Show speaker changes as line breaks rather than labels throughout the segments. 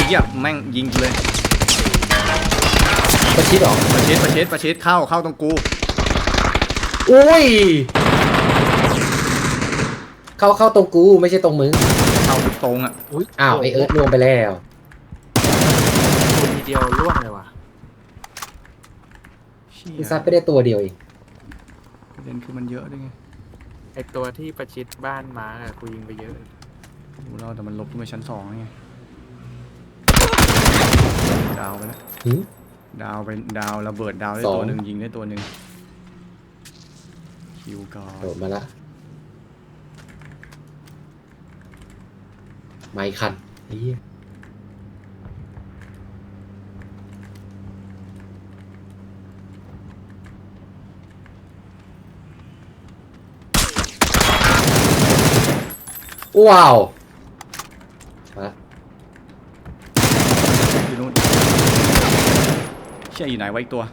เหี้ยแม่งยิงกูเลย
ประชิดหรอ
ประชิดเข้าตรงกู
อุ้ยเข้าตรงกูไม่ใช่ตรงมึง
เข้าตรงอ่ะ
อุ้ย
อ้าวไอเอิร์ธรวมไปแล้ว
ตัวทีเดียวร่วงเลยว่ะ
เชี่ย
กูซัดไปได้ตัวเดียวเอง
ประเด็นคือมันเยอะด้วยไง
ไอตัวที่ประชิดบ้านมาร์กอะกูยิงไปเยอะ
ดูแล้วแต่มันลบขึ้นไปชั้น2ไงดาวไปแล้ว
หืม
ดาวระเบิดดาวได้
สอง
ตัวหนึ่งยิงได้ตัวหนึ่งคิวก่อน
โดดมาละไม้คันไอ้เหี้ยว้าวมา
อยู่นู่นเชี่ยอยู่ไหนไว้อีกตัว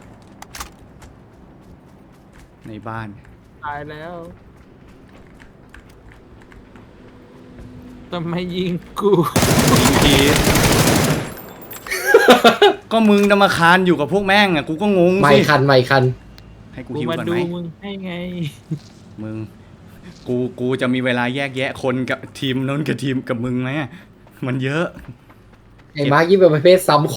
ในบ้าน
ตายแล้วทำไมยิงกู
ยิงที ก็มึงจะมาคานอยู่กับพวกแม่งอ่ะกูก็งง
ไม้
สิ
คัน
ให้กู
กู
ฮิว
มา
ก่อน
ดู
ไหม
มึงให้ไง
มึงกูจะมีเวลาแยกแยะคนกับทีมนู้นกับทีมกับมึงไหมอะมันเยอะ
ไอ้มาร์คยิ่งเป็นประเภทซ้ำ